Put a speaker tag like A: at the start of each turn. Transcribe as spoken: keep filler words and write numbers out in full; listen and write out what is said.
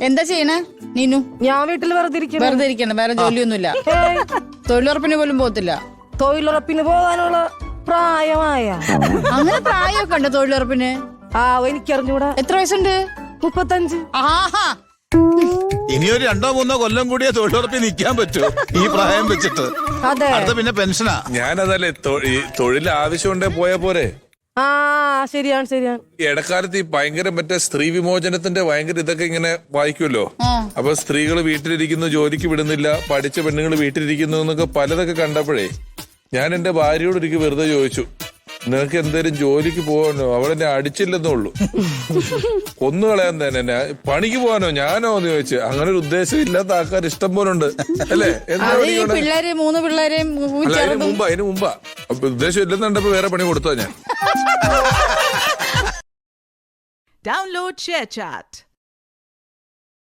A: എന്താ ചെയ്യണേ നീനു?
B: ഞാൻ വീട്ടിൽ വെറുതെ ഇരിക്കണം.
A: വെറുതെ ഇരിക്കണം, വേറെ ജോലിയൊന്നുമില്ല. തൊഴിലുറപ്പിന് പോലും പോകത്തില്ല?
B: തൊഴിലുറപ്പിന് പോകാനുള്ള പ്രായമായ
A: അങ്ങനെ പ്രായമൊക്കെ ഉണ്ട് തൊഴിലുറപ്പിന്?
B: ആ എനിക്കറിഞ്ഞൂടാ.
A: എത്ര വയസ്സുണ്ട്?
B: മുപ്പത്തഞ്ച്.
A: ആഹാ,
C: ഇനിയൊരു രണ്ടോ മൂന്നോ കൊല്ലം കൂടിയേ തൊഴിലുറപ്പിൽ നിൽക്കാൻ പറ്റൂ ഈ പ്രായം വെച്ചിട്ട്.
B: അതെ,
C: അടുത്ത പിന്നെ പെൻഷനാ.
D: ഞാനതല്ലേ തൊഴിൽ ആവശ്യമുണ്ടേ പോയാ പോരെ.
B: ആ ശരിയാണ് ശരിയാണ്.
D: ഈ ഇടക്കാലത്ത് ഈ ഭയങ്കര മറ്റേ സ്ത്രീ വിമോചനത്തിന്റെ ഭയങ്കര ഇതൊക്കെ ഇങ്ങനെ വായിക്കുമല്ലോ. അപ്പൊ സ്ത്രീകൾ വീട്ടിലിരിക്കുന്നു, ജോലിക്ക് വിടുന്നില്ല, പഠിച്ച പെണ്ണുങ്ങൾ വീട്ടിലിരിക്കുന്നു എന്നൊക്കെ പലതൊക്കെ കണ്ടപ്പോഴേ ഞാൻ എന്റെ ഭാര്യയോട് ഒരിക്കൽ വെറുതെ ചോദിച്ചു, നിനക്ക് എന്തേലും ജോലിക്ക് പോകാനോ? അവളെന്നെ അടിച്ചില്ലെന്നുള്ളൂ, കൊന്നു കളയാൻ തന്നെ. എന്നെ പണിക്ക് പോകാനോ ഞാനോ എന്ന് ചോദിച്ചു. അങ്ങനെ ഒരു ഉദ്ദേശം ഇല്ലാത്ത ആൾക്കാർ ഇഷ്ടം പോലെ ഉണ്ട് അല്ലേ?
A: പിള്ളേര് മൂന്ന് പിള്ളേരെയും
D: അല്ല, അതിന് മുമ്പാ അതിന് മുമ്പാ അപ്പൊ ഉദ്ദേശം ഇല്ലെന്നുണ്ടപ്പോ വേറെ പണി കൊടുത്തോ ഞാൻ.
E: Download ShareChat.